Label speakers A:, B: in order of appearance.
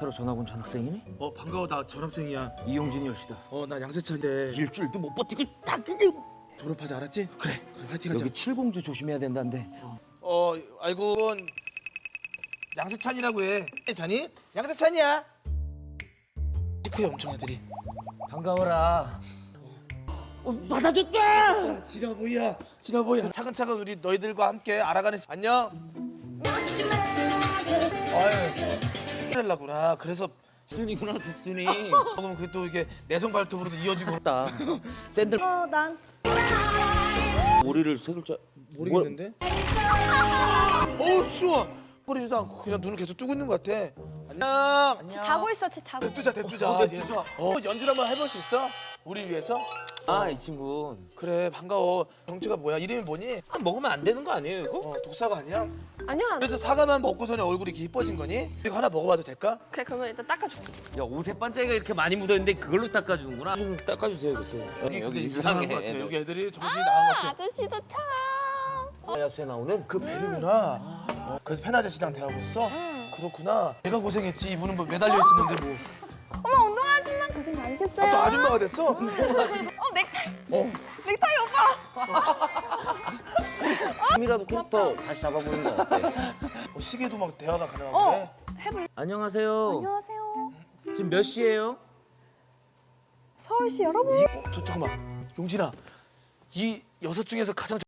A: 새로 전학 온 전학생이니?
B: 반가워. 나 전학생이야.
A: 이용진이 여시다.
B: 나 양세찬인데
A: 일주일도 못 버티고 다 그냥.
B: 졸업하자, 알았지?
A: 그래.
B: 화이팅 하자.
A: 여기 칠공주 조심해야 된다는데.
B: 아이고, 양세찬이라고 해. 자니? 양세찬이야. 시크해 엄청 애들이.
A: 반가워라. 받아줬다.
B: 지라보이야. 차근차근 우리 너희들과 함께 알아가는 안녕. 아유, 스텔라구나. 그래서
A: 순이구나 죽순이.
B: 그러면 그게 또 이게 내성 발톱으로도 이어지고.
A: 다 샌들
C: 난
A: 머리를 세 글자.
B: 모르겠는데? 추워. 거리지도 않고 그냥 눈을 계속 뜨고 있는 것 같아. 안녕.
C: 자고 있어, 쟤 자고.
B: 대투자.
A: 대투자.
B: 연주 한번 해볼 수 있어? 우리 위해서?
A: 이 친구.
B: 그래, 반가워. 정체가 뭐야? 이름이 뭐니?
A: 먹으면 안 되는 거 아니에요 이거?
B: 독사가 아니야?
D: 아니야.
B: 그래서 사과만 먹고서는 얼굴이 이렇게 이뻐진 거니? 이거 하나 먹어봐도 될까?
D: 그래 그러면 일단 닦아줄게.
A: 야 옷에 반짝이가 이렇게 많이 묻어있는데 그걸로 닦아주는구나. 좀 닦아주세요 이것도.
B: 근데 이상한 것 같아. 여기 애들이 정신이 나간 것 같아.
D: 아저씨도 참.
A: 야수에 나오는
B: 그 벨이구나. 그래서 펜 아저씨랑 대하고 있어? 그렇구나. 내가 고생했지. 이분은 뭐 매달려 있었는데 뭐.
D: 어머 운동하지만 고생 많으셨어요.
B: 또 아줌마가 됐어?
D: 넥타이. 넥타이 오빠.
A: 힘이라도 캐릭터 다시 잡아보는 거 어때?
B: 시계도 막 대화가 가능한데.
D: 해볼.
A: 안녕하세요.
D: 안녕하세요.
A: 지금 몇 시예요?
D: 서울시 여러분.
B: 잠깐만. 용진아. 이 6 중에서 가장